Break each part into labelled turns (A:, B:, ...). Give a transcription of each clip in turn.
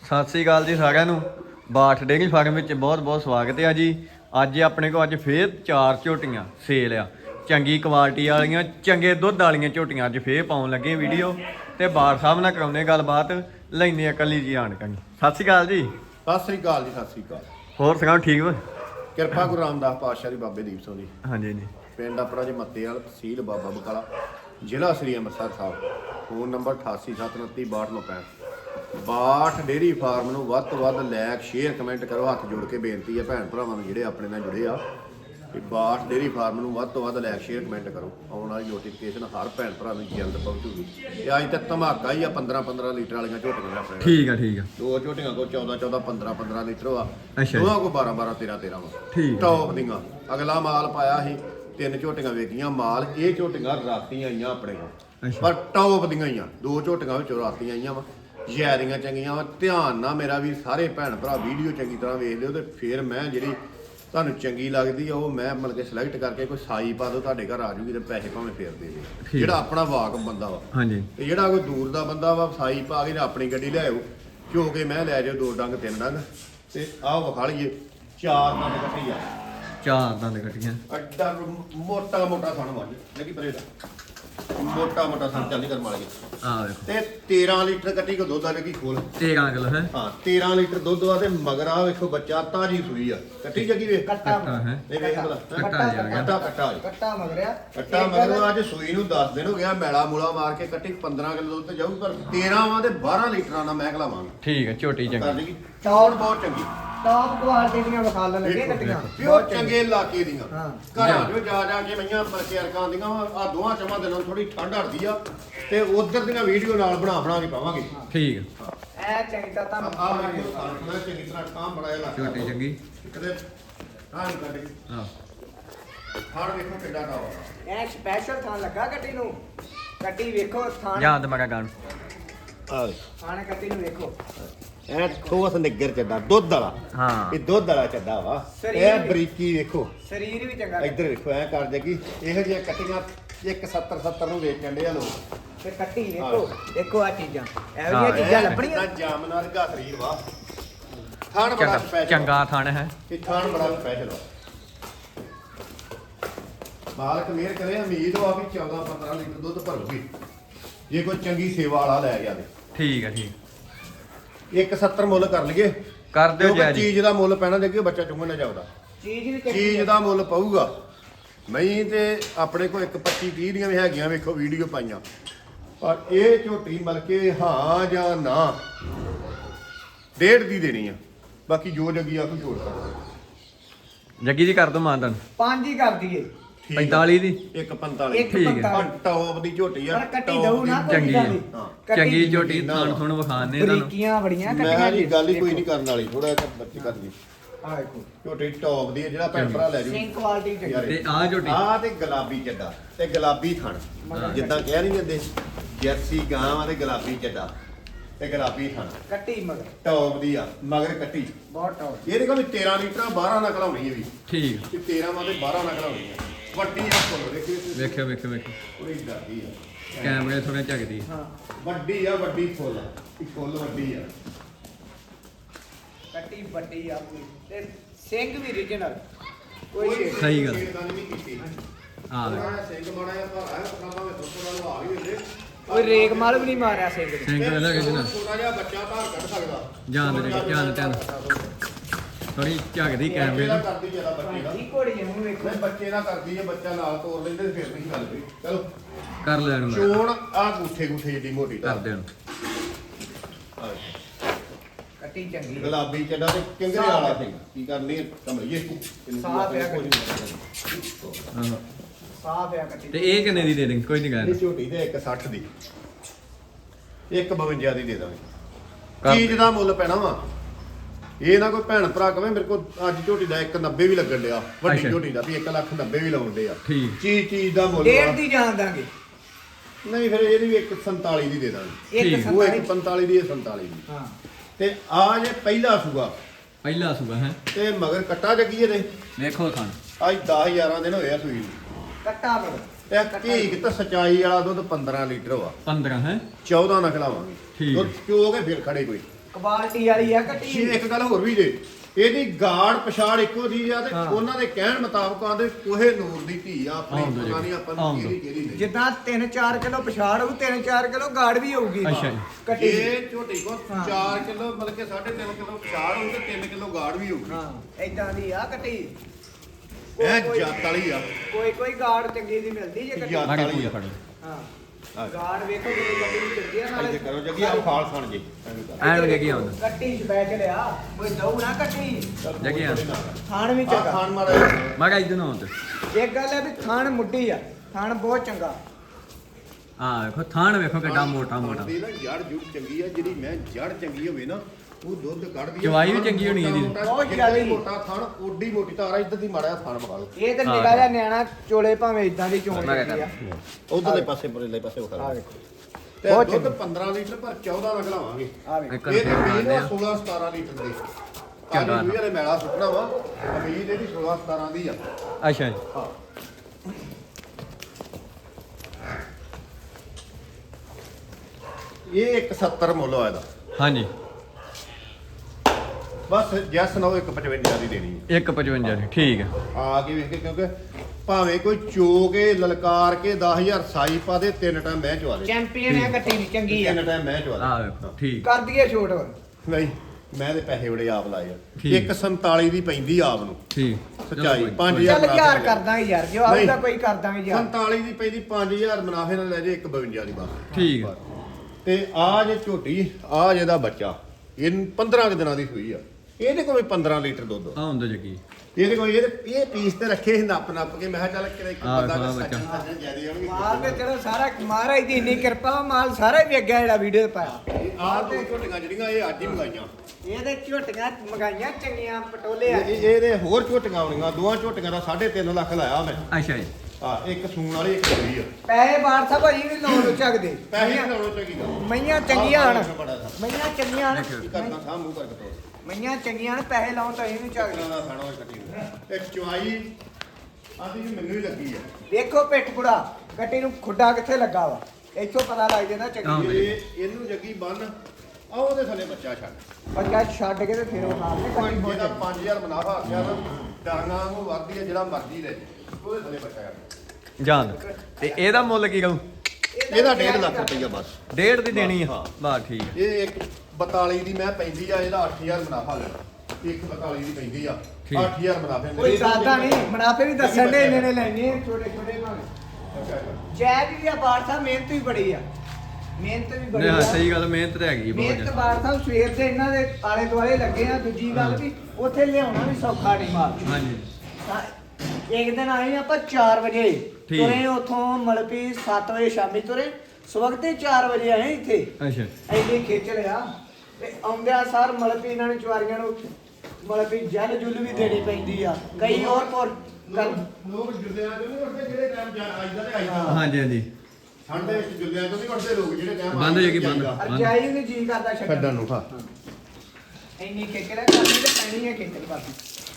A: ਸਤਿ ਸ੍ਰੀ ਅਕਾਲ ਜੀ ਸਾਰਿਆਂ ਨੂੰ। ਬਾਠ ਡੇਅਰੀ ਫਾਰਮ ਵਿੱਚ ਬਹੁਤ ਬਹੁਤ ਸਵਾਗਤ ਹੈ ਜੀ। ਅੱਜ ਆਪਣੇ ਕੋਲ ਅੱਜ ਫੇਰ 4 ਝੋਟੀਆਂ ਸੇਲ ਆ। ਚੰਗੀ ਕੁਆਲਿਟੀ ਵਾਲੀਆਂ ਚੰਗੇ ਦੁੱਧ ਵਾਲੀਆਂ ਝੋਟੀਆਂ ਅੱਜ ਫੇਰ ਪਾਉਣ ਲੱਗੇ ਵੀਡੀਓ ਤੇ ਬਾਠ ਸਾਹਿਬ ਨਾਲ ਕਰਾਉਨੇ ਗੱਲਬਾਤ, ਲੈਣੇ ਇਕੱਲੀ ਜੀ ਆਣ ਕੇ। ਸਤਿ ਸ੍ਰੀ ਅਕਾਲ ਜੀ।
B: ਸਤਿ ਸ੍ਰੀ ਅਕਾਲ ਜੀ, ਸਤਿ ਸ੍ਰੀ ਅਕਾਲ।
A: ਹੋਰ ਸੁਣਾਓ, ਠੀਕ ਹੋ?
B: ਕਿਰਪਾ ਗੁਰੂ ਰਾਮਦਾਸ ਪਾਤਸ਼ਾਹ ਦੀ, ਬਾਬੇ ਦੀਪ ਸਿੰਘ ਦੀ।
A: ਹਾਂਜੀ ਜੀ।
B: ਪਿੰਡ ਆਪਣਾ ਜੀ ਮੱਤੇਵਾਲ, ਤਹਿਸੀਲ ਬਾਬਾ ਬਕਾਲਾ, ਜ਼ਿਲ੍ਹਾ Sri Amritsar Sahib. Phone number 8879326265। Bath dairy farm ਨੂੰ ਵੱਧ ਤੋਂ ਵੱਧ ਲਾਇਕ, ਸ਼ੇਅਰ, ਕਮੈਂਟ ਕਰੋ। ਹੱਥ ਜੋੜ ਕੇ ਬੇਨਤੀ ਹੈ ਭੈਣ ਭਰਾਵਾਂ ਨੂੰ ਜਿਹੜੇ ਆਪਣੇ ਨਾਲ ਜੁੜੇ ਆ ਕਿ ਬਾਠ ਡੇਅਰੀ ਫਾਰਮ ਨੂੰ ਵੱਧ ਤੋਂ ਵੱਧ ਲਾਇਕ, ਸ਼ੇਅਰ, ਕਮੈਂਟ ਕਰੋ। ਆਉਣ ਵਾਲੀ ਨੋਟੀਫਿਕੇਸ਼ਨ ਹਰ ਭੈਣ ਭਰਾ ਨੂੰ ਜਲਦ ਪਹੁੰਚੂਗੀ। ਇਹ ਅੱਜ ਤੱਕ ਧਮਾਕਾ ਹੀ ਆ। 15 ਲੀਟਰ ਵਾਲੀਆਂ ਝੋਟੀਆਂ ਆਪਣੇ।
A: ਠੀਕ ਆ ਠੀਕ ਆ।
B: ਦੋ ਝੋਟੀਆਂ ਕੋ 14 15 ਲੀਟਰ ਵਾ।
A: ਅੱਛਾ।
B: ਦੋਵਾਂ ਕੋ 12 13 ਵਾ।
A: ਠੀਕ।
B: ਟੌਪ ਦੀਆਂ। ਅਗਲਾ ਮਾਲ ਪਾਇਆ ਸੀ, 3 ਝੋਟੀਆਂ ਵੇਚੀਆਂ ਮਾਲ। ਇਹ ਝੋਟੀਆਂ ਰਾਤੀ ਆਈਆਂ ਆਪਣੇ ਕੋਲ, ਪਰ ਟੌਪ ਦੀਆਂ ਹੀ ਆ। 2 ਝੋਟੀਆਂ ਵਿੱਚੋਂ ਰਾਤੀ ਆਈਆਂ ਵਾ। ਯਾਰੀਆਂ ਚੰਗੀਆਂ ਵਾ। ਧਿਆਨ ਨਾਲ ਮੇਰਾ ਵੀ ਸਾਰੇ ਭੈਣ ਭਰਾ ਵੀਡੀਓ ਚੰਗੀ ਤਰ੍ਹਾਂ ਵੇਖ ਲਿਓ ਤੇ ਫਿਰ ਮੈਂ ਜਿਹੜੀ ਤੁਹਾਨੂੰ ਚੰਗੀ ਲੱਗਦੀ ਆ ਉਹ ਮੈਂ ਮਤਲਬ ਕਿ ਸਿਲੈਕਟ ਕਰਕੇ ਕੋਈ ਸਾਈ ਪਾ ਦੋ, ਤੁਹਾਡੇ ਘਰ ਆ ਜੂਗੀ ਤੇ ਪੈਸੇ ਭਾਵੇਂ ਫੇਰ ਦੇ ਦੇ। ਜਿਹੜਾ ਆਪਣਾ ਵਾਕਫ ਬੰਦਾ ਵਾ।
A: ਹਾਂਜੀ। ਤੇ
B: ਜਿਹੜਾ ਕੋਈ ਦੂਰ ਦਾ ਬੰਦਾ ਵਾ, ਸਾਈ ਪਾ ਕੇ ਆਪਣੀ ਗੱਡੀ ਲਿਆਓ, ਝੋ ਕੇ ਮੈਂ ਲੈ ਜਾਓ 2 ਡੰਗ 3 ਡੰਗ ਤੇ ਆਹ ਵਿਖਾ ਲਈਏ 4 ਡੰਗ ਕੱਟੀ ਆ।
A: 4 ਦੰਦ ਕੱਟੀਆਂ।
B: ਅੱਡਾ ਮੋਟਾ ਥਣ ਵੱਜ ਲੱਗੀ ਪਰੇ ਦਾ ਮੋਟਾ ਥਣ ਚੱਲਦੀ ਕਰਮ ਵਾਲੀ।
A: ਆ ਦੇਖੋ
B: ਤੇ 13 ਲੀਟਰ ਕੱਟੀ ਕੋ ਦੁੱਧ ਆ ਲੱਗੀ ਖੋਲ।
A: 13 ਕਿਲੋ ਹੈ।
B: ਹਾਂ 13 ਲੀਟਰ ਦੁੱਧ ਆ ਤੇ ਮਗਰ ਆ ਵੇਖੋ ਬੱਚਾ ਤਾਜੀ ਸੂਈ ਆ। ਕੱਟੀ ਜੱਗੀ ਵੇ
A: ਕੱਟਾ ਹੈ।
B: ਇਹ ਵੇਖ ਭਲਾ
A: ਕੱਟਾ ਜੀ ਆ ਗਿਆ।
B: ਕੱਟਾ ਮਗਰ ਅੱਜ ਸੂਈ ਨੂੰ 10 ਦਿਨ ਹੋ ਗਿਆ। ਮੈਲਾ ਮੂਲਾ ਮਾਰ ਕੇ ਕੱਟੀ 15 ਕਿਲੋ ਦੁੱਧ ਜਾਊ, ਪਰ 13 ਵਾਂ ਤੇ 12 ਲੀਟਰਾਂ ਦਾ ਮੈਂ ਖਲਾਵਾਂਗਾ।
A: ਠੀਕ ਹੈ। ਝੋਟੀ ਚੰਗੀ,
B: ਚੌੜ ਬਹੁਤ ਚੰਗੀ,
C: ਟੌਪ ਕੁਆਲਿਟੀ ਦੀਆਂ ਵਿਖਾਲਣ ਲੱਗੇ ਕੱਟੀਆਂ।
B: ਪਿਓ ਚੰਗੇ ਇਲਾਕੇ ਦੀਆਂ।
C: ਹਾਂ।
B: ਘਰਾਂ ਚੋਂ ਜਾ ਕੇ ਮਈਆਂ ਪਰਕੇ ਅਰਕਾਂ ਦੀਆਂ ਆ। ਦੋਹਾਂ ਚਮਾਂ ਦਿਨਾਂ ਥੋੜੀ ਠੰਡ ਹਟਦੀ ਆ ਤੇ ਉਧਰ ਦੀਆਂ ਵੀਡੀਓ ਨਾਲ ਬਣਾ ਕੇ ਪਾਵਾਂਗੇ।
A: ਠੀਕ
C: ਐ ਚੰਗੀ ਤਾਂ ਤੁਹਾਨੂੰ
B: ਆ ਵੇਖੋ ਸਾਰਾ ਚੰਗੀ ਤਰ੍ਹਾਂ ਕੰਮ ਬਣਾਇਆ ਲਾ।
A: ਝੋਟੀ ਚੰਗੀ।
B: ਕਿਤੇ ਹਾਂ ਨਹੀਂ ਕੱਢੀ।
A: ਹਾਂ।
B: ਫੜ ਵੇਖੋ ਕਿੱਡਾ ਟਾਵਾ।
C: ਐ ਸਪੈਸ਼ਲ ਥਾਂ ਲੱਗਾ ਗੱਡੀ ਨੂੰ। ਗੱਡੀ ਵੇਖੋ ਥਾਂ।
A: ਯਾਦ ਮਗਾ ਗਾਣ।
B: ਆ
C: ਥਾਂ ਗੱਡੀ ਨੂੰ ਵੇਖੋ।
B: ਐ ਠੋਸ ਨਿੱਗਰ ਚੱਡਾ ਦੁੱਧ ਵਾਲਾ।
A: ਹਾਂ।
B: ਇਹ ਦੁੱਧ ਵਾਲਾ ਚੱਡਾ ਵਾ। ਇਹ ਬਰੀਕੀ ਵੇਖੋ,
C: ਸਰੀਰ ਵੀ ਚੰਗਾ।
B: ਇੱਧਰ ਵੇਖੋ ਐ ਕਰ ਜੇਗੀ। ਇਹੋ ਜਿਹੀਆਂ ਕੱਟੀਆਂ 170 ਨੂੰ ਵੇਚਣ ਦੇ ਆ ਲੋਕ।
C: ਤੇ ਕੱਟੀ ਦੇਖੋ ਆ ਚੀਜ਼ਾਂ ਇਹੋ ਜਿਹੀਆਂ ਚੀਜ਼ਾਂ ਲੱਭਣੀਆਂ।
B: ਜਾਮਨਾ ਵਰਗਾ ਸਰੀਰ ਵਾ। ਥਾਣ ਬੜਾ ਸਪੈਸ਼ਲ,
A: ਚੰਗਾ ਥਣ ਹੈ।
B: ਇਹ ਥਾਣ ਬੜਾ ਸਪੈਸ਼ਲ ਵਾ। ਮਾਲਕ ਮਿਹਰ ਕਰੇ, ਉਮੀਦ ਵਾ ਵੀ 14-15 ਲੀਟਰ ਦੁੱਧ ਭਰੂਗੀ ਜੇ ਕੋਈ ਚੰਗੀ ਸੇਵਾ ਵਾਲਾ ਲੈ ਗਿਆ ਤੇ।
A: ਠੀਕ ਹੈ। ਠੀਕ
B: 170 ਮੁੱਲ ਕਰ ਲਈਏ।
A: ਕਰ ਦਿਓ ਜੀ।
B: ਚੀਜ਼ ਦਾ ਮੁੱਲ ਪੈਣਾ ਦੇਖਿਓ, ਬੱਚਾ ਚੁੰਗਣ ਨਾ ਜਾਊਦਾ। ਚੀਜ਼ ਦਾ ਮੁੱਲ ਪਊਗਾ। ਨਹੀਂ ਤੇ ਆਪਣੇ ਕੋਲ 1-25-30 ਦੀਆਂ ਵੀ ਹੈਗੀਆਂ, ਵੇਖੋ ਵੀਡੀਓ ਪਾਈਆਂ। ਪਰ ਇਹ ਝੋਟੀ ਮਲਕੇ ਹਾਂ ਜਾਂ ਨਾ 1.5 ਦੀ ਦੇਣੀ ਆ। ਬਾਕੀ ਜੋ ਜੱਗੀ ਆ ਕੋਈ ਛੋੜ ਕਰ।
A: ਜੱਗੀ ਜੀ ਕਰ ਦੋ ਮਾਨਦਨ।
C: 5 ਹੀ ਕਰ ਦਈਏ।
A: 45 ਦੀ।
B: 1.45
A: ਠੀਕ ਹੈ।
B: ਟੌਪ ਦੀ ਝੋਟੀ ਆ।
C: ਪਰ ਕੱਟੀ ਦਊ ਨਾ ਕੋਈ
A: ਚੰਗੀ
C: ਗੱਲ ਨੀ।
B: ਹਾਂ।
A: ਚੰਗੀ ਝੋਟੀ ਥਣ ਥਣ ਵਿਖਾਣੇ ਤੁਹਾਨੂੰ।
C: ਬਰੀਕੀਆਂ ਬੜੀਆਂ
B: ਮੈਂ
C: ਕੱਟੀਆਂ
B: ਜੀ ਗੱਲ ਹੀ ਕੋਈ ਨਹੀਂ ਕਰਨ ਵਾਲੀ, ਥੋੜਾ ਜਿਹਾ ਬੱਚੀ ਕਰ ਦੀ।
C: ਆ ਵੇਖੋ
B: ਝੋਟੀ ਟੌਪ ਦੀ ਹੈ, ਜਿਹੜਾ ਭੈਣ ਭਰਾ ਲੈ ਜੂ।
C: ਸਿੰਕ ਕੁਆਲਿਟੀ ਚੰਗੀ।
A: ਤੇ ਆਹ ਝੋਟੀ।
B: ਆ ਤੇ ਗੁਲਾਬੀ ਚੱਡਾ ਤੇ ਗੁਲਾਬੀ ਥਣ, ਜਿੱਦਾਂ ਕਹਿ ਨਹੀਂ ਦਿੰਦੇ ਜਰਸੀ ਗਾਂ ਆ ਤੇ ਗੁਲਾਬੀ ਚੱਡਾ ਤੇ ਗੁਲਾਬੀ ਥਣ।
C: ਕੱਟੀ ਮਗਰ
B: ਟੌਪ ਦੀ ਆ, ਮਗਰ ਕੱਟੀ
C: ਬਹੁਤ ਟੌਪ।
B: ਇਹਦੇ ਕੋਲ ਵੀ 13 ਲੀਟਰ 12 ਨਾ ਕਢਾਉਣੀ ਹੈ ਵੀ।
A: ਠੀਕ।
B: ਤੇ 13 ਵਾਂ ਤੇ 12 ਨਾ ਕਢਾਉਣੀ ਹੈ। ਵੱਡੀ ਆ ਫੁੱਲ
A: ਵੇਖਿਓ ਵੇਖਿਓ ਵੇਖਿਓ।
B: ਪੂਰੀ ਡਰਦੀ ਆ।
A: ਕੈਮਰੇ ਥੋੜੇ ਝਗਦੀ।
C: ਹਾਂ।
B: ਵੱਡੀ ਆ, ਵੱਡੀ ਫੁੱਲ। ਇਹ ਫੁੱਲ ਵੱਡੀ ਆ।
C: ਕੱਟੀ ਵੱਡੀ ਆ ਪੂਰੀ ਤੇ ਸਿੰਘ ਵੀ ਰੀਜਨਲ। ਕੋਈ ਸ਼ੇਡ
A: ਸਹੀ ਗੱਲ।
B: ਨਹੀਂ ਕੀਤੀ।
A: ਆ ਲੈ।
B: ਸਿੰਘ ਮਾੜਾ ਜਿਹਾ ਭਾਰਾ ਹੈ, ਪਕਾਵਾ ਵਿੱਚ ਥੋੜਾ ਜਿਹਾ ਆ ਵੀ ਹੁੰਦੇ।
C: ਕੋਈ ਰੇਗ ਮਾਲ ਵੀ ਨਹੀਂ ਮਾਰਿਆ ਸਿੰਘ ਨੇ।
A: ਸਿੰਘ ਇਹਦਾ ਕਿਸ ਨਾ
B: ਛੋਟਾ ਜਿਹਾ ਬੱਚਾ ਧਾਰ ਕੱਢ ਸਕਦਾ।
A: ਜਾਨ ਦੇ ਧਿਆਨ ਥੋੜੀ ਝਗਦੀ ਕੈਮਰੇ
B: ਦਾ
A: ਨੂੰ।
B: ਕਰਦੀ ਜਿਆਦਾ ਬੱਚੇ ਦਾ।
C: ਜੀ ਘੋੜੀ ਨੂੰ ਵੇਖੋ।
B: ਨਹੀਂ ਬੱਚੇ ਦਾ ਕਰਦੀ ਹੈ, ਬੱਚਾ ਨਾਲ ਤੋੜ ਲੈਂਦੇ ਤੇ ਫਿਰ ਨਹੀਂ ਗੱਲ ਵੀ। ਚਲੋ
A: ਕਰ ਲੈਣ ਮੈਂ
B: ਚੋਣ ਆ ਗੂਠੇ ਜਿੱਡੀ ਮੋਟੀ
A: ਕਰ ਦੇਣ।
C: ਕੱਟੀ ਚੰਗੀ।
B: ਗੁਲਾਬੀ ਚੱਡਾ ਤੇ ਕਿੰਗਰੇ ਵਾਲਾ ਸਿੰਘ ਕੀ ਕਰਨੀ ਕਮਲੀਏ
C: ਸਾਫ਼ ਆ ਕੱਟੀ।
A: ਹਾਂ।
C: ਸਾਫ ਆ ਕੱਟੀ।
A: ਤੇ ਇਹ ਕਿੰਨੇ ਦੀ ਦੇ ਦੇ? ਕੋਈ ਨਹੀਂ
B: ਇਹ
A: ਕਹਿਣਾ।
B: ਝੋਟੀ ਤੇ 160 ਦੀ 152 ਦੀ ਦੇ ਦਾਂਗੇ।
A: ਕਰ
B: ਚੀਜ਼ ਦਾ ਮੁੱਲ ਪੈਣਾ ਵਾ। ਇਹ ਨਾ ਕੋਈ ਭੈਣ ਭਰਾ ਕਵੇ ਮੇਰੇ ਕੋਲ ਅੱਜ ਝੋਟੀ ਦਾ 190 ਵੀ ਲੱਗਣ ਡਿਆ, ਵੱਡੀ
A: ਅੱਛਾ।
B: ਝੋਟੀ ਦਾ ਵੀ 1,90,000 ਵੀ ਲਾਉਣ ਡਿਆ।
A: ਠੀਕ।
B: ਚੀਜ਼ ਦਾ ਮੁੱਲ
C: ਡੇਢ
B: ਵਾ।
C: ਦੀ ਜਾਣ ਦਾਂਗੇ।
B: ਨਹੀਂ ਫਿਰ ਇਹਦੀ ਵੀ 147 ਦੀ ਦੇ ਦਾਂਗੇ।
C: ਇੱਕ
A: ਠੀਕ।
B: ਉਹ
C: 47।
B: 145 ਦੀ, ਇਹ 47 ਦੀ।
C: ਹਾਂ।
B: ਤੇ ਆ ਜੇ ਪਹਿਲਾ ਸੂਆ
A: ਪਹਿਲਾ ਸੂਆ ਹੈ।
B: ਤੇ ਮਗਰ ਕੱਟਾ ਜੱਗੀ ਇਹਦੇ
A: ਵੇਖੋ ਥਣ।
B: ਅੱਜ 10-11 ਦਿਨ ਹੋਏ ਆ ਸੂਈ ਨੂੰ।
C: ਕੱਟਾ ਮਗਰ।
B: ਤੇ ਘੀਕ ਤਾਂ ਸਚਾਈ ਵਾਲਾ ਦੁੱਧ 15 ਲੀਟਰ ਵਾ।
A: 15 ਹੈ।
B: 14 ਨਾ ਖਿਲਾਵਾਂਗੇ।
A: ਠੀਕ।
B: ਦੁੱਧ ਚੋ ਕੇ ਫਿਰ ਖੜੇ ਕੋਈ।
C: ਕੁਆਲਿਟੀ ਵਾਲੀ ਆ
B: ਜੀ
C: ਕੱਟੀ।
B: ਇੱਕ ਗੱਲ ਹੋਰ ਵੀ ਜੇ, ਇਹਦੀ ਗਾੜ ਪਛਾੜ ਇੱਕੋ ਜੀ ਆ ਤੇ
C: ਹਾਂ।
B: ਉਹਨਾਂ ਦੇ ਕਹਿਣ ਮੁਤਾਬਕ ਆਂਦੇ ਕੋਹੇ ਨੂਰ ਦੀ ਧੀ ਆ ਆਪਣੀ
A: ਆਉਂਦਾ ਜੀ।
B: ਪਤਾ ਨਹੀਂ ਆਪਾਂ ਨੂੰ
A: ਆਉਂਦਾ।
B: ਕਿਹੜੀ ਨਹੀਂ।
C: ਜਿੱਦਾਂ 3-4 ਕਿਲੋ ਪਛਾੜ ਹੋਊ 3-4 ਕਿਲੋ ਗਾੜ ਵੀ ਹੋਊਗੀ।
A: ਅੱਛਾ ਜੀ।
C: ਕੱਟੀ
B: ਇਹ ਝੋਟੀ ਕੋ
C: ਹਾਂ।
B: 4 ਕਿਲੋ ਮਤਲਬ ਕਿ 3.5 ਕਿਲੋ ਪਛਾੜ ਹੋਊ ਤੇ 3 ਕਿਲੋ ਗਾੜ ਵੀ ਹੋਊਗੀ।
C: ਹਾਂ ਇਦਾਂ ਦੀ ਆ ਕੱਟੀ।
B: ਇਹ
C: ਕੋਈ-
B: ਜੱਤ ਵਾਲੀ ਆ।
C: ਕੋਈ ਗਾੜ ਚੰਗੀ ਦੀ ਮਿਲਦੀ ਜੇ ਕੱਟੀ।
B: ਜੱਤ
A: ਮਾਗੇ
B: ਵਾਲੀ
A: ਪੂਜਾ
B: ਆ।
A: ਫੜੋ
C: ਹਾਂ
B: ਹਾਂ।
C: ਗਾੜ ਵੇਖੋ ਕਿੰਨੀ ਗੱਡੀ ਚੰਗੀ ਆ
B: ਇੱਥੇ ਕਰੋ ਜੱਗੀ ਆ ਖਾਲ ਖਾਣ ਜੀ
A: ਐਨ ਲੱਗੇ ਕੀ ਆਉਂਦਾ
C: ਕੱਟੀ ਚ ਬੈਠ ਲਿਆ ਕੋਈ ਦਊ ਨਾ ਕੱਟੀ।
A: ਜਗੀ ਆ
C: ਥਾਣ ਵੀ
B: ਆ
C: ਚੰਗਾ।
B: ਖਾਣ ਮਾਰਾ
A: ਮੈਂ ਕਿਹਾ ਇਦੋਂ ਆਉਂਦਾ
C: ਇੱਕ ਗੱਲ ਹੈ ਵੀ ਥਾਣ ਮੁੱਢੀ ਆ, ਥਾਣ ਬਹੁਤ ਚੰਗਾ।
A: ਆ ਵੇਖੋ ਥਾਣ ਵੇਖੋ ਕਿੱਡਾ ਮੋਟਾ ਮੋਟਾ
B: ਦੀ ਨਾ ਜੜ ਜੁੜ ਚੰਗੀ ਆ, ਜਿਹੜੀ ਮੈਂ ਜੜ ਚੰਗੀ ਹੋਵੇ ਨਾ ਉਹ ਦੁੱਧ ਕੱਢਦੀ ਆ।
A: ਚਵਾਈ ਵੀ ਚੰਗੀ ਹੋਣੀ ਇਹਦੀ।
B: ਬਹੁਤ ਜ਼ਿਆਦਾ ਮੋਟਾ ਥਣ, ਓਡੀ ਮੋਟੀ ਤਾਰਾ ਇੱਧਰ ਦੀ ਮਾੜਾ ਜਿਹਾ ਥਣ ਬਗਾ ਲਓ।
C: ਇਹ ਤੇ ਨਿਕਾ ਜਿਹਾ ਨਿਆਣਾ ਚੋਲੇ ਭਾਵੇਂ ਇਦਾਂ ਦੀ ਚੋਣ
A: ਮੈਂ
C: ਲੱਗੀ ਆ।
B: ਉਧਰਲੇ ਪਾਸੇ ਪਰਲੇ ਪਾਸੇ ਵਿਖਾ
C: ਆ
B: ਲਓ।
C: ਵੇਖੋ
B: ਤੇ
C: ਬਹੁਤ
B: ਦੁੱਧ
C: ਚੰਗੀ।
B: 15 ਲੀਟਰ ਪਰ 14 ਦਾ ਘਲਾਵਾਂਗੇ।
C: ਆ ਵੇਖੋ
A: ਇੱਕ
B: ਇਹ ਤੇ
A: ਰੁਪਏ
B: ਮੀਨ
A: ਆ
B: 16-17 ਲੀਟਰ ਦੀ।
A: ਚੰਗਾ
B: ਕਾਲੀ ਵੀਰੇ ਮੈਲਾ ਸੁੱਟਣਾ ਵਾ, ਅਮੀਰ ਇਹਦੀ 16-17 ਦੀ ਆ।
A: ਅੱਛਾ ਜੀ
B: ਹਾਂ। ਇਹ 170 ਮੁੱਲ ਆ ਇਹਦਾ।
A: ਹਾਂਜੀ
B: ਬਸ ਜੈਸ ਨਾ 155 ਦੀ ਦੇਣੀ ਹੈ।
A: 155 ਦੀ ਠੀਕ ਹੈ
B: ਆ ਕੇ ਵੇਖ ਕੇ, ਕਿਉਂਕਿ ਭਾਵੇਂ ਕੋਈ ਚੋ ਕੇ ਲਲਕਾਰ ਕੇ 10000 ਸਾਈ ਪਾ ਦੇ, 3 ਟਾਈਮ ਮੈਂ ਚਵਾ ਦੇ।
C: ਚੈਂਪੀਅਨ ਹੈ ਕੱਟੀ ਦੀ ਚੰਗੀ ਆ।
B: 3 ਟਾਈਮ ਮੈਂ ਚਵਾ
A: ਆ
B: ਦੇ।
A: ਵੇਖੋ ਠੀਕ
C: ਕਰ ਦਈਏ ਛੋਟ।
B: ਨਹੀਂ ਮੈਂ ਤੇ ਪੈਸੇ ਬੜੇ ਆਪ ਲਾਏ ਆ।
A: ਠੀਕ।
B: 147 ਦੀ ਪੈਂਦੀ ਆਪ ਨੂੰ
A: ਠੀਕ
B: ਸੱਚਾਈ।
A: ਚਲੋ ਕੋਈ-
B: 5000
C: ਚੱਲ ਯਾਰ ਕਰ ਦਾਂਗੇ ਯਾਰ, ਜੋ ਆਊਗਾ
B: ਨਹੀਂ।
C: ਕੋਈ ਕਰ ਦਾਂਗੇ ਯਾਰ।
B: 47 ਦੀ ਪੈਂਦੀ, 5000 ਮੁਨਾਫੇ ਨਾਲ ਲੈ ਜੇ 152 ਦੀ ਬਸ।
A: ਠੀਕ ਹੈ।
B: ਤੇ ਆ ਜੇ ਝੋਟੀ, ਆ ਜਿਹਦਾ ਬੱਚਾ ਇਹ 15 ਕੁ ਦਿਨਾਂ ਦੀ ਸੂਈ ਆ। ਇਹਦੇ ਕੋਲ ਵੀ 15 ਲੀਟਰ ਦੁੱਧ ਆ।
A: ਆ ਹੁੰਦਾ ਜਗੀ
B: ਇਹਦੇ ਕੋਲ ਇਹ ਪੀਸ ਤੇ ਰੱਖੇ ਸੀ ਨੱਪ ਕੇ, ਮੈਂ ਕਿਹਾ ਚੱਲ ਕਿਤੇ ਇੱਕ
A: ਆਹ
B: ਬੰਦਾ
A: ਵੇਖੋ
B: ਸੱਜਣ
A: ਬੱਚਾ।
B: ਸੱਜਣ ਜਿਆਦੇ ਆਉਣਗੇ।
C: ਮਾਲ ਤੇ ਚਲੋ ਸਾਰਾ ਮਹਾਰਾਜ ਦੀ ਇੰਨੀ ਕਿਰਪਾ ਵਾ, ਮਾਲ ਸਾਰਾ ਹੀ ਵੇਖ ਗਿਆ ਜਿਹੜਾ ਵੀਡੀਓ ਤੇ ਪਾਇਆ।
B: ਆਹ ਦੋ ਝੋਟੀਆਂ ਜਿਹੜੀਆਂ ਇਹ ਅੱਜ ਹੀ ਮੰਗਾਈਆਂ।
C: ਇਹਦੇ ਝੋਟੀਆਂ ਮੰਗਾਈਆਂ ਚੰਗੀਆਂ ਪਟੋਲੇ ਆ।
B: ਇਹਦੇ ਹੋਰ ਝੋਟੀਆਂ ਆਉਣੀਆਂ, ਦੋਵਾਂ ਝੋਟੀਆਂ ਦਾ 3.5 ਲੱਖ ਲਾਇਆ ਮੈਂ।
A: ਅੱਛਾ ਜੀ
B: ਆ ਇੱਕ ਸੂਣ ਵਾਲੀ, ਇੱਕ ਹੋਈ ਆ।
C: ਪੈਸੇ ਬਾੜ ਸਾਹਿਬ ਭਾਜੀ ਵੀ ਲਾਉਣ ਨੂੰ ਚੱਕਦੇ।
B: ਪੈਸੇ ਲਾਉਣੋਂ ਚਾਹੀਦਾ।
C: ਮਈਆਂ ਚੰਗੀਆਂ ਹਨ,
B: ਬੜਾ ਸਾ
C: ਮਈਆਂ ਚੰਗੀਆਂ ਹਨ,
B: ਕੀ ਕਰਨਾ ਸਾਹ ਮੂੰਹ ਕਰਕੇ ਤੋੜ।
C: ਮਈਆਂ ਚੰਗੀਆਂ ਹਨ, ਪੈਸੇ ਲਾਉਣ ਤਾਂ ਇਹ ਨਹੀਂ ਚੱਕਦੇ।
B: ਇਹਨਾਂ ਦਾ ਖਾਣਾ ਹੋਇਆ ਕੱਟੀ ਨੂੰ। ਇੱਕ ਚੁਆਈ ਆਦੀ ਵੀ ਮੈਨੂੰ ਹੀ ਲੱਗੀ ਆ।
C: ਦੇਖੋ ਪਿੱਠ ਪੁੜਾ ਗੱਟੀ ਨੂੰ ਖੁੱਡਾ ਕਿੱਥੇ ਲੱਗਾ ਵਾ, ਇੱਥੋਂ ਪਤਾ ਲੱਗ ਜਾਂਦਾ
A: ਹਾਂ।
C: ਚੰਗੀ।
B: ਇਹਨੂੰ ਜੱਗੀ ਬੰਨ ਆ, ਉਹਦੇ ਥੱਲੇ ਬੱਚਾ ਛੱਡ।
C: ਬੱਚਾ ਛੱਡ ਕੇ ਤੇ ਫਿਰ ਉਹ ਨਾਲ ਤੇ ਕੱਟੀ ਬਹੁਤ
B: ਜਿਹਦਾ
C: ਚੰਗੀ।
B: 5000 ਮੁਨਾਫਾ ਆਖਿਆ ਨਾ, ਡਾਂਗਾ ਨੂੰ ਵੱਧਦੀ ਆ, ਜਿਹੜਾ ਮਰਜ਼ੀ ਲੈ ਜੇ, ਉਹਦੇ ਥੱਲੇ ਬੱਚਾ ਛੱਡ।
A: ਜਾਨ ਤੇ ਇਹਦਾ ਮੁੱਲ ਕੀ ਕਹੂੰ
B: ਇਹਦਾ 1.5 ਲੱਖ ਰੁਪਈਆ ਬਸ।
A: ਡੇਢ ਦੀ ਦੇਣੀ ਆ
B: ਹਾਂ।
A: ਬਸ ਠੀਕ ਹੈ
B: ਇਹ ਇੱਕ 42 ਦੀ ਮੈਂ ਪੈਂਦੀ ਆ, ਇਹਦਾ 8000 ਮੁਨਾਫਾ ਲੈਣਾ। ਇੱਕ 42 ਦੀ ਪੈਂਦੀ ਆ,
A: ਠੀਕ।
B: 8000 ਮੁਨਾਫੇ
C: ਕੋਈ ਦਾਦਾ ਨਹੀਂ, ਮੁਨਾਫੇ ਵੀ ਦੱਸਣ ਦੇ ਇਹਨੇ ਨੇ ਲੈਣੇ ਛੋਟੇ ਛੋਟੇ ਭਾਵੇਂ। ਜੈਕ ਵੀ ਆ ਬਾੜ ਸਾਹਿਬ, ਮਿਹਨਤ ਵੀ ਬੜੀ ਆ, ਮਿਹਨਤ ਵੀ ਬੜੀ
A: ਨਹੀਂ
C: ਆ।
A: ਹਾਂ ਸਹੀ ਗੱਲ ਮਿਹਨਤ ਤੇ ਹੈਗੀ ਬਹੁਤ
C: ਮਿਹਨਤ
A: ਜ਼ਿਆਦਾ।
C: ਬਾੜ ਸਾਹਿਬ ਸਵੇਰ ਦੇ ਇਹਨਾਂ ਦੇ ਆਲੇ ਦੁਆਲੇ ਲੱਗੇ ਆ। ਦੂਜੀ ਗੱਲ ਵੀ ਉੱਥੇ ਲਿਆਉਣਾ ਵੀ ਸੌਖਾ ਨਹੀਂ ਮਾਲ।
A: ਹਾਂਜੀ
C: ਤਾਂ ਇੱਕ ਦਿਨ ਆਏ ਆਪਾਂ 4 ਵਜੇ
A: ਠੀਕ।
C: ਤੁਰੇ ਉੱਥੋਂ ਮਲਪੀ 7 ਵਜੇ ਸ਼ਾਮੀ ਤੁਰੇ, ਸਵਖਤੇ 4 ਵਜੇ ਆਏ ਇੱਥੇ।
A: ਅੱਛਾ
C: ਐਨੇ ਖਿੱਚ ਲਿਆ ਤੇ ਆਉਂਦਿਆਂ ਸਾਰ ਮਲਪੀ ਇਹਨਾਂ ਨੇ ਚਵਾਰੀਆਂ ਨੂੰ ਮਲਪੀ ਜਲ ਜੁਲ ਵੀ ਦੇਣੀ ਪੈਂਦੀ ਆ। ਕਈ ਹੋਰ ਕਰ
B: ਲੋਕ ਜੁੱਲਿਆਂ ਤੋਂ ਨਹੀਂ ਉੱਠਦੇ, ਜਿਹੜੇ ਟਾਈਮ ਆਈਦਾ ਤੇ ਆਈਦਾ।
A: ਹਾਂਜੀ ਹਾਂਜੀ
B: ਠੰਡ ਦੇ ਵਿੱਚ ਜੁੱਲਿਆਂ ਤੋਂ ਨਹੀਂ ਉੱਠਦੇ ਲੋਕ, ਜਿਹੜੇ ਟਾਈਮ
A: ਬੰਦ ਹੋ ਗਈ, ਬੰਦ।
C: ਅਰਜਾਈ ਨੂੰ ਜੀ ਕਰਦਾ
B: ਛੱਡਣ ਨੂੰ। ਹਾਂ
C: ਇੰਨੀ ਖਿੱਚ ਲਿਆ ਕਰਨੀ ਤੇ ਪੈਣੀ ਹੈ ਖਿੱਚ ਬਾਕੀ।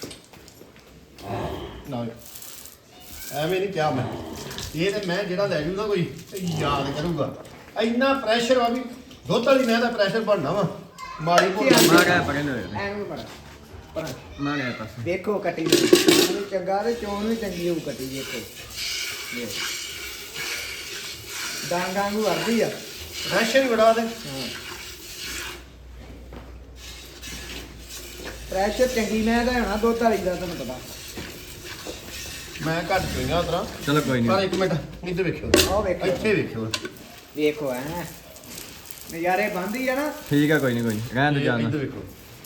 B: ਨਾ ਐਵੇਂ ਨਹੀਂ ਕਿਹਾ ਮੈਂ। ਇਹ ਤੇ ਮੈਂ ਜਿਹੜਾ ਲੈ ਜੂ ਨਾ ਕੋਈ ਤੇ ਯਾਦ ਕਰੂਗਾ। ਇੰਨਾ ਪ੍ਰੈਸ਼ਰ ਆ ਵੀ ਦੁੱਧ ਵਾਲੀ ਮੈਂ ਦਾ ਪ੍ਰੈਸ਼ਰ ਬਣਨਾ ਵਾ ਮਾੜੀ ਮੋਟੀ।
A: ਮੈਂ ਕਿਹਾ ਪਕੜਨੇ ਹੋਏ
C: ਐਨੂੰ ਬੜਾ ਪਰ
A: ਮੈਂ ਕਿਹਾ ਪਾਸੇ
C: ਦੇਖੋ ਕੱਟੀ ਨੂੰ ਚੰਗਾ ਤੇ ਚੋਣ ਵੀ ਚੰਗੀ ਹੋਊ ਕੱਟੀ ਦੇਖੋ। ਡਾਂਗਾਂ ਨੂੰ ਵਰਦੀ ਆ।
B: ਪ੍ਰੈਸ਼ਰ ਹੀ ਬੜਾ ਤੇ।
C: ਪ੍ਰੈਸ਼ਰ ਚੰਗੀ ਮੈਂ ਦਾ ਹੋਣਾ ਦੁੱਧ ਵਾਲੀ ਦਾ ਤੁਹਾਨੂੰ ਪਤਾ।
B: ਮੈਂ ਘੱਟ ਪਈਆਂ ਉਤਰਾ।
A: ਚਲੋ ਕੋਈ
B: ਪਰ
A: ਨਹੀਂ
B: ਇੱਕ ਮਿੰਟ ਇੱਧਰ ਵੇਖਿਓ,
C: ਆਹ ਵੇਖੋ
B: ਇੱਥੇ ਵੇਖਿਓ।
C: ਵੇਖੋ ਐ ਨਜ਼ਾਰੇ ਬੰਦੀ ਆ ਨਾ।
A: ਠੀਕ ਹੈ ਕੋਈ ਨਹੀਂ ਰਹਿਣ ਦੇ ਜਾਣਾ
B: ਇੱਧਰ ਵੇਖੋ।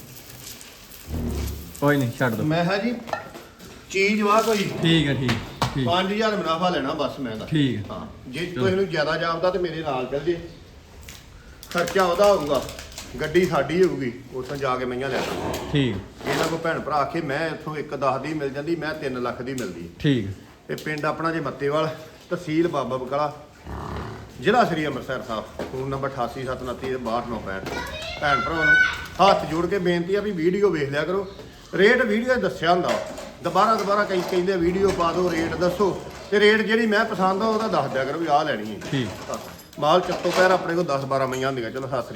A: ਕੋਈ ਨਹੀਂ ਛੱਡ ਦੋ
B: ਮੈਂ ਹਾਂ ਜੀ ਚੀਜ਼ ਵਾ ਕੋਈ
A: ਠੀਕ ਹੈ ਠੀਕ
B: 5000 ਮੁਨਾਫਾ ਲੈਣਾ ਬਸ ਮੈਂ ਦਾ।
A: ਠੀਕ ਹੈ
B: ਹਾਂ ਜੇ ਤੁਸੀਂ ਨੂੰ ਜ਼ਿਆਦਾ ਜਾਪਦਾ ਤੇ ਮੇਰੇ ਨਾਲ ਚੱਲ ਜੇ। ਖਰਚਾ ਉਹਦਾ ਹੋਊਗਾ, ਗੱਡੀ ਸਾਡੀ ਹੋਊਗੀ, ਉੱਥੋਂ ਜਾ ਕੇ ਮਈਆਂ ਲੈ ਆਵਾਂਗੇ।
A: ਠੀਕ
B: ਇਹਨਾਂ ਕੋ ਭੈਣ ਭਰਾ ਆਖੇ ਮੈਂ ਇੱਥੋਂ 1.10 ਦੀ ਮਿਲ ਜਾਂਦੀ, ਮੈਂ 3 ਲੱਖ ਦੀ ਮਿਲਦੀ।
A: ਠੀਕ
B: ਤੇ ਪਿੰਡ ਆਪਣਾ ਜੇ ਮੱਤੇਵਾਲ, ਤਹਿਸੀਲ ਬਾਬਾ ਬਕਾਲਾ, ਜ਼ਿਲ੍ਹਾ ਸ੍ਰੀ ਅੰਮ੍ਰਿਤਸਰ ਸਾਹਿਬ। Phone number 8879326965। ਭੈਣ ਭਰਾਵਾਂ ਨੂੰ ਹੱਥ ਜੋੜ ਕੇ ਬੇਨਤੀ ਆ ਵੀ ਵੀਡੀਓ ਵੇਖ ਲਿਆ ਕਰੋ। ਰੇਟ ਵੀਡੀਓ 'ਚ ਦੱਸਿਆ ਹੁੰਦਾ, ਦੁਬਾਰਾ ਕਈ ਕਹਿੰਦੇ ਵੀਡੀਓ ਪਾ ਦਿਓ, ਰੇਟ ਦੱਸੋ, ਤੇ ਰੇਟ ਜਿਹੜੀ ਮੈਂ ਪਸੰਦ ਆ ਉਹਦਾ ਦੱਸ ਦਿਆ ਕਰੋ ਵੀ ਆਹ ਲੈਣੀ ਹੈ।
A: ਠੀਕ
B: ਮਾਲ ਚੱਤੋ ਪੈਰ ਆਪਣੇ ਕੋਲ 10-12 ਮਈਆਂ ਹੁੰਦੀਆਂ। ਚਲੋ ਸਤਿ ਸ੍ਰੀ ਅਕਾਲ।